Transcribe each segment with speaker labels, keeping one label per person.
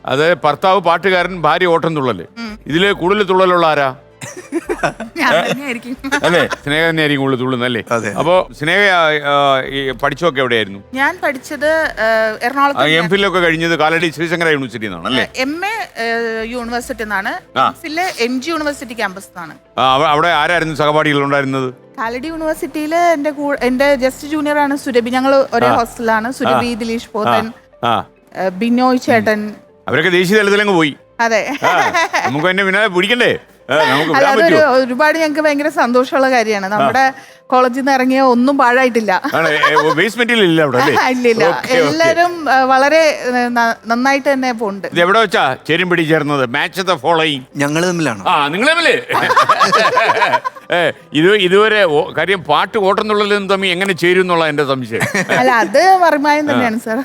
Speaker 1: അത് ഭർത്താവ് പാട്ടുകാരൻ, ഭാര്യ ഓട്ടം തുള്ളല്. ഇതില് കൂടുതൽ തുള്ളലുള്ള ആരാ? അല്ലേ, സ്നേഹ തന്നെയായിരിക്കും കൂടുതൽ തുള്ളുന്നല്ലേ? അപ്പൊ സ്നേഹ പഠിച്ചൊക്കെ എവിടെയായിരുന്നു?
Speaker 2: ഞാൻ പഠിച്ചത് എറണാകുളത്ത്.
Speaker 1: എംഫിൽ ഒക്കെ കഴിഞ്ഞത് കാലടി ശ്രീശങ്കര യൂണിവേഴ്സിറ്റി നിന്നാണ് അല്ലേ?
Speaker 2: MA യൂണിവേഴ്സിറ്റി നിന്നാണ്. MG യൂണിവേഴ്സിറ്റി ക്യാമ്പസ് നിന്നാണ്.
Speaker 1: അവിടെ ആരായിരുന്നു സഹപാഠികൾ ഉണ്ടായിരുന്നത്?
Speaker 2: കാലടി യൂണിവേഴ്സിറ്റിയിൽ എന്റെ ജസ്റ്റ് ജൂനിയർ ആണ് സുരഭി. ഞങ്ങൾ ഒരേ ഹോസ്റ്റലാണ്. സുരഭി, ദിലീഷ് പോത്തൻ, ബിനോയ് ചേട്ടൻ,
Speaker 1: അവരൊക്കെ ദേശീയ തലത്തിലങ്ങ് പോയി.
Speaker 2: അതെ,
Speaker 1: നമുക്ക് എന്നെ പിന്നെ പിടിക്കണ്ടേ?
Speaker 2: അതൊരു ഒരുപാട് ഞങ്ങൾക്ക് ഭയങ്കര സന്തോഷമുള്ള കാര്യമാണ്. നമ്മുടെ കോളേജിൽ നിന്ന് ഇറങ്ങിയ ഒന്നും പാഴായിട്ടില്ല. ഇല്ല, എല്ലാരും വളരെ നന്നായിട്ട് തന്നെ പോണ്ട്.
Speaker 1: എവിടെ വെച്ചാ ചേരുംപിടി ചേർന്നത്? മാച്ച് ദ ഫോളോയിങ്
Speaker 3: ഞങ്ങൾ തമ്മിലാണ്.
Speaker 1: നിങ്ങൾ തമ്മില് ഇതുവരെ കാര്യം പാട്ട് ഓട്ടുന്നുള്ളതും തമ്മിൽ എങ്ങനെ ചേരും എന്നുള്ള എന്റെ സംശയം.
Speaker 2: അല്ല, അത് മറിമായം തന്നെയാണ് സാർ.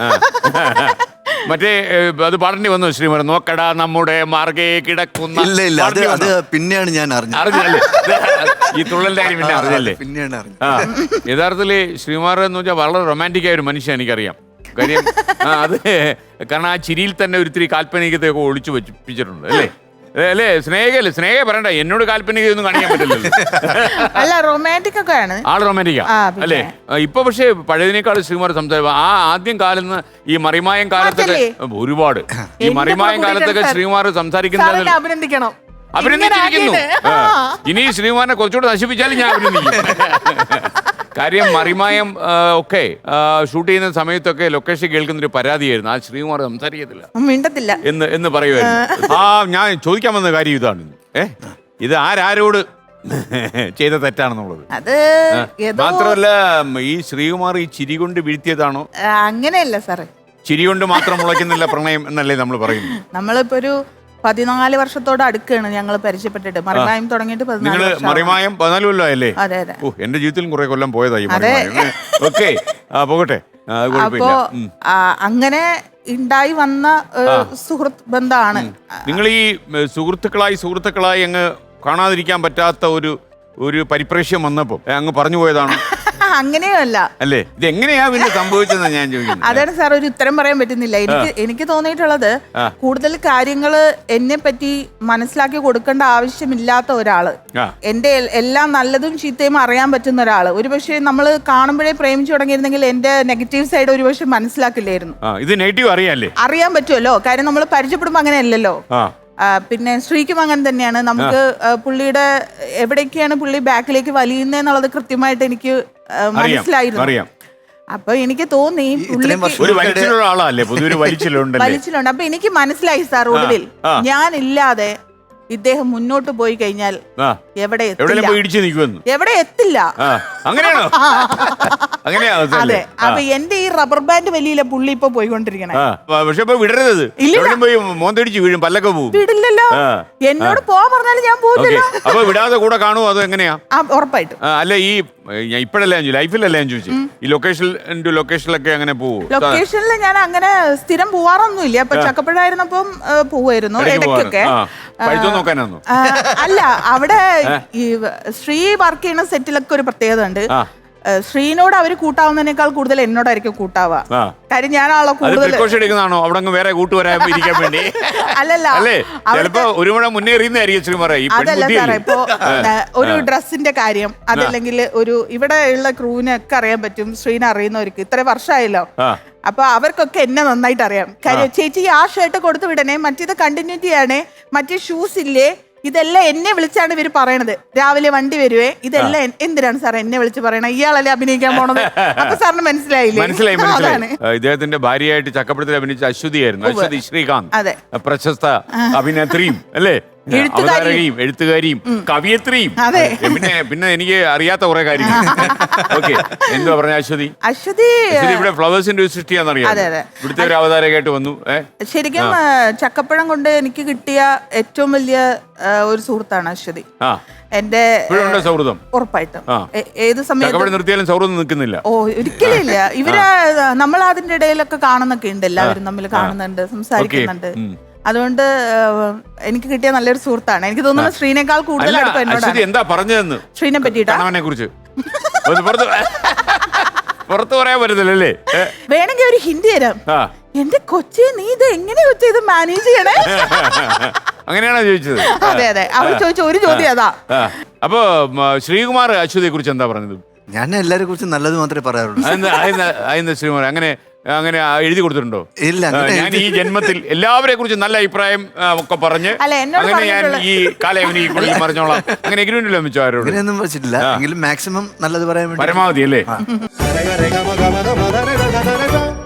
Speaker 1: മറ്റേ അത് പാടേണ്ടി വന്നു ശ്രീമതി, നോക്കടാ നമ്മുടെ മാർഗേ കിടക്കുന്ന.
Speaker 3: ഇല്ല, അത് പിന്നെയാണ് ഞാൻ
Speaker 1: അറിഞ്ഞല്ലേ ഈ തുള്ളലിന്റെ കാര്യം പിന്നെ അറിഞ്ഞല്ലേ?
Speaker 3: പിന്നെയാണ് അറിഞ്ഞത്.
Speaker 1: യഥാർത്ഥത്തില് ശ്രീമാർ എന്ന് വെച്ചാൽ വളരെ റൊമാൻറ്റിക് ആയ ഒരു മനുഷ്യൻ, എനിക്കറിയാം. കാര്യം അത് കാരണം ആ ചിരിയിൽ തന്നെ ഒരിത്തിരി കാൽപ്പനികതയൊക്കെ ഒളിച്ചു വെച്ചിട്ടുണ്ട് അല്ലേ? അല്ലേ സ്നേഹ പറയണ്ട, എന്നോട് കാൽപ്പനികയൊന്നും കാണിക്കാൻ പറ്റില്ലല്ലോ.
Speaker 2: അല്ല, റൊമാൻറ്റിക് ഒക്കെ ആണ്
Speaker 1: ആള് റൊമാൻറ്റിക്കാ അല്ലേ? ഇപ്പൊ പക്ഷേ പഴയതിനേക്കാൾ ശ്രീമാർ സംസാരിക്കും. ആ ആദ്യം കാലത്ത് ഈ മറിമായം കാലത്തൊക്കെ ഒരുപാട് ഈ മറിമായം കാലത്തൊക്കെ ശ്രീമാർ സംസാരിക്കുന്നത്
Speaker 2: അഭിനന്ദിക്കണം.
Speaker 1: അഭിനന്ദിച്ചിരിക്കുന്നു. ഇനി ശ്രീമാനെ കുറച്ചുകൂടെ നശിപ്പിച്ചാലും ഞാൻ അഭിനന്ദിക്കും. കാര്യം മറിമായം ഒക്കെ ഷൂട്ട് ചെയ്യുന്ന സമയത്തൊക്കെ ലൊക്കേഷൻ കേൾക്കുന്നൊരു പരാതിയായിരുന്നു, ആ ശ്രീകുമാർ സംസാരിക്കത്തില്ല,
Speaker 2: മിണ്ടത്തില്ല
Speaker 1: എന്ന് പറയുമായിരുന്നു. ഞാൻ ചോദിക്കാൻ വന്ന കാര്യം ഇതാണ്, ഇത് ആരോട് ചെയ്ത തെറ്റാണെന്നുള്ളത്.
Speaker 2: അത്
Speaker 1: മാത്രമല്ല, ഈ ശ്രീകുമാർ ഈ ചിരി കൊണ്ട് വീഴ്ത്തിയതാണോ?
Speaker 2: അങ്ങനെയല്ല സാറേ,
Speaker 1: ചിരി കൊണ്ട് മാത്രം മുളയ്ക്കുന്നില്ല പ്രണയം എന്നല്ലേ നമ്മൾ പറയുന്നത്?
Speaker 2: നമ്മളിപ്പോ ഒരു 14 വർഷത്തോട് അടുക്കാണ് ഞങ്ങൾ പരിചയപ്പെട്ടിട്ട്. മറിമായം തുടങ്ങിയിട്ട്
Speaker 1: 14 കൊല്ലമായല്ലേ?
Speaker 2: അതെ അതെ.
Speaker 1: എന്റെ ജീവിതത്തിലും കുറെ കൊല്ലം പോയതായി. ഓക്കെ, പോകട്ടെ.
Speaker 2: അപ്പോ അങ്ങനെ ഉണ്ടായി വന്ന സുഹൃത്ത് ബന്ധമാണ്.
Speaker 1: നിങ്ങൾ ഈ സുഹൃത്തുക്കളായി അങ്ങ് കാണാതിരിക്കാൻ പറ്റാത്ത ഒരു പരിപ്രേക്ഷ്യം വന്നപ്പോ അങ്ങ് പറഞ്ഞു പോയതാണ്?
Speaker 2: അങ്ങനെയല്ല
Speaker 1: അല്ലേ? ഇത് എങ്ങനെയാ പിന്നെ സംഭവിച്ചതെന്ന് ഞാൻ ചോദിക്കുന്നത്.
Speaker 2: അതാണ് സാർ, ഒരു ഉത്തരം പറയാൻ പറ്റുന്നില്ല. എനിക്ക് തോന്നിയിട്ടുള്ളത്, കൂടുതൽ കാര്യങ്ങള് എന്നെ പറ്റി മനസ്സിലാക്കി കൊടുക്കേണ്ട ആവശ്യമില്ലാത്ത ഒരാള്, എന്റെ എല്ലാം നല്ലതും ചീത്തയും അറിയാൻ പറ്റുന്ന ഒരാള്. ഒരുപക്ഷെ നമ്മൾ കാണുമ്പോഴേ പ്രേമിച്ചു തുടങ്ങിയിരുന്നെങ്കിൽ എന്റെ നെഗറ്റീവ് സൈഡ് ഒരുപക്ഷെ മനസ്സിലാക്കില്ലായിരുന്നു.
Speaker 1: ഇത് നെഗറ്റീവ് അറിയാൻ
Speaker 2: പറ്റുമല്ലോ, കാര്യം നമ്മൾ പരിചയപ്പെടുമ്പോ അങ്ങനെയല്ലല്ലോ. പിന്നെ ശ്രീക്കും അങ്ങനെ തന്നെയാണ്. നമുക്ക് പുള്ളിയുടെ എവിടേക്കാണ് പുള്ളി ബാക്കിലേക്ക് വലിയുന്നതെന്നുള്ളത് കൃത്യമായിട്ട് എനിക്ക് മനസ്സിലായിരുന്നു. അപ്പൊ എനിക്ക് തോന്നി വലിച്ചിലുണ്ട്. അപ്പൊ എനിക്ക് മനസ്സിലായി സാർ, ഒടുവിൽ ഞാൻ ഇല്ലാതെ ഇദ്ദേഹം മുന്നോട്ട് പോയി കഴിഞ്ഞാൽ എവിടെ എത്തില്ല. അതെ, അപ്പൊ എന്റെ ഈ റബ്ബർ ബാൻഡ് വലിയ പുള്ളി ഇപ്പൊ പോയിക്കൊണ്ടിരിക്കണേ. വിടില്ലല്ലോ, എന്നോട് പോവാൻ പറഞ്ഞാലും ഞാൻ പോകില്ല.
Speaker 1: അപ്പൊ വിടാതെ കൂടെ കാണുമോ അതോ എങ്ങനെയാ?
Speaker 2: ഉറപ്പായിട്ടും.
Speaker 1: അല്ല, ഈ ഇപ്പഴല്ലേ ലൈഫിലല്ലേ ഞാൻ ചോദിച്ചു, ഈ ലൊക്കേഷനിലൊക്കെ അങ്ങനെ പോവോ?
Speaker 2: ലൊക്കേഷനിൽ ഞാൻ അങ്ങനെ സ്ഥിരം പോവാറൊന്നുമില്ല. അപ്പൊ ചക്കപ്പഴായിരുന്നപ്പം പോവായിരുന്നു ഇടയ്ക്കൊക്കെ. അല്ല, അവിടെ ഈ ശ്രീ വർക്ക് ചെയ്യുന്ന സെറ്റിലൊക്കെ ഒരു പ്രത്യേകത ഉണ്ട്. ശ്രീനോട് അവര് കൂട്ടാവുന്നതിനേക്കാൾ കൂടുതൽ എന്നോടായിരിക്കും കൂട്ടാവുക. കാര്യം ഞാൻ ആളെ കൂടുതൽ
Speaker 1: വേറെ കൂട്ടുവരാൻ വേണ്ടി.
Speaker 2: അല്ലല്ല, അതല്ല സാറേ, ഇപ്പൊ ഒരു ഡ്രസ്സിന്റെ കാര്യം, അതല്ലെങ്കിൽ ഒരു ഇവിടെ ഉള്ള ക്രൂവിനൊക്കെ അറിയാൻ പറ്റും. ശ്രീനെ അറിയുന്നവർക്ക് ഇത്ര വർഷമായല്ലോ, അപ്പൊ അവർക്കൊക്കെ എന്നെ നന്നായിട്ട് അറിയാം. കാര്യം ചേച്ചി ആ ഷർട്ട് കൊടുത്തു വിടണേ, മറ്റേത് കണ്ടിന്യൂറ്റി ആണേ, മറ്റേ ഷൂസ് ഇല്ലേ, ഇതെല്ലാം എന്നെ വിളിച്ചാണ് ഇവര് പറയണത്. രാവിലെ വണ്ടി വരുവേ, ഇതെല്ലാം എന്തിനാണ് സാർ എന്നെ വിളിച്ച് പറയണത്? ഇയാളല്ലേ അഭിനയിക്കാൻ പോണത്. അപ്പൊ സാറിന് മനസ്സിലായില്ലേ?
Speaker 1: മനസ്സിലായി. ഇദ്ദേഹത്തിന്റെ ഭാര്യയായിട്ട് ചക്കപ്പഴത്തിൽ അഭിനയിച്ച അശ്വതി ശ്രീകാന്ത്, പ്രശസ്ത അഭിനേത്രിയും അല്ലേ, എഴുത്തുകാരിയും കവിയത്രിയും. പിന്നെ എനിക്ക് അറിയാത്ത കുറെ കാര്യങ്ങൾ. ഓക്കെ, എന്തുവാ പറഞ്ഞ അശ്വതി ഇവിടെ ഫ്ലവേഴ്സിന്റെ ഒരു സൃഷ്ടിയാണെന്നറിയാം. ഇവിടുത്തെ ഒരു അവതാരകയായിട്ട് വന്നു.
Speaker 2: ശരിക്കും ചക്കപ്പഴം കൊണ്ട് എനിക്ക് കിട്ടിയ ഏറ്റവും വലിയ ഒരു സുഹൃത്താണ് അശ്വതി. എന്റെ സൗഹൃദം ഉറപ്പായിട്ടും ഏത് സമയത്ത്
Speaker 1: നിർത്തിയാലും സൗഹൃദം നിൽക്കുന്നില്ല.
Speaker 2: ഓ, ഒരിക്കലും ഇല്ല. ഇവര് നമ്മൾ അതിന്റെ ഇടയിലൊക്കെ കാണുന്നൊക്കെ ഉണ്ട്, എല്ലാവരും തമ്മിൽ കാണുന്നുണ്ട്, സംസാരിക്കുന്നുണ്ട്. അതുകൊണ്ട് എനിക്ക് കിട്ടിയ നല്ലൊരു സുഹൃത്താണ്. എനിക്ക് തോന്നുന്നു ശ്രീനേക്കാൾ കൂടുതൽ
Speaker 1: എന്താ പറഞ്ഞതെന്ന്
Speaker 2: ശ്രീനെ പറ്റിയിട്ടാ.
Speaker 1: പുറത്ത് പറയാൻ പറ്റത്തില്ലല്ലേ?
Speaker 2: വേണമെങ്കിൽ ഒരു ഹിന്ദി തരാം.
Speaker 1: ആ
Speaker 2: എന്റെ കൊച്ചി, നീ ഇത് എങ്ങനെ കൊച്ചി ഇത് മാനേജ് ചെയ്യണേ?
Speaker 1: അങ്ങനെയാണോ ചോദിച്ചത്?
Speaker 2: അതെ അതെ, അവൾ ചോദിച്ച ഒരു ചോദ്യം അതാ.
Speaker 1: അപ്പൊ ശ്രീകുമാർ അശ്വതിയെ കുറിച്ച് എന്താ പറഞ്ഞത്?
Speaker 3: ഞാൻ എല്ലാരെ കുറിച്ചും നല്ലത് മാത്രമേ പറയാറുള്ളൂ.
Speaker 1: അതെന്താ ശ്രീകുമാർ അങ്ങനെ അങ്ങനെ എഴുതി കൊടുത്തിട്ടുണ്ടോ?
Speaker 3: ഇല്ല, അങ്ങനെ
Speaker 1: ഞാൻ ഈ ജന്മത്തിൽ എല്ലാവരെ കുറിച്ച് നല്ല അഭിപ്രായം ഒക്കെ പറഞ്ഞ്
Speaker 2: അല്ല, എന്നോട്
Speaker 1: അങ്ങനെ ഞാൻ ഈ കാലയവനി പറഞ്ഞോളാം അങ്ങനെ എഗ്രിമെന്റിൽ വെച്ചോ ആരോട്?
Speaker 3: അങ്ങനെയൊന്നും വെച്ചിട്ടില്ല. എങ്കിലും മാക്സിമം നല്ലത് പറയാൻ വേണ്ടി
Speaker 1: പരമാവധി അല്ലേ?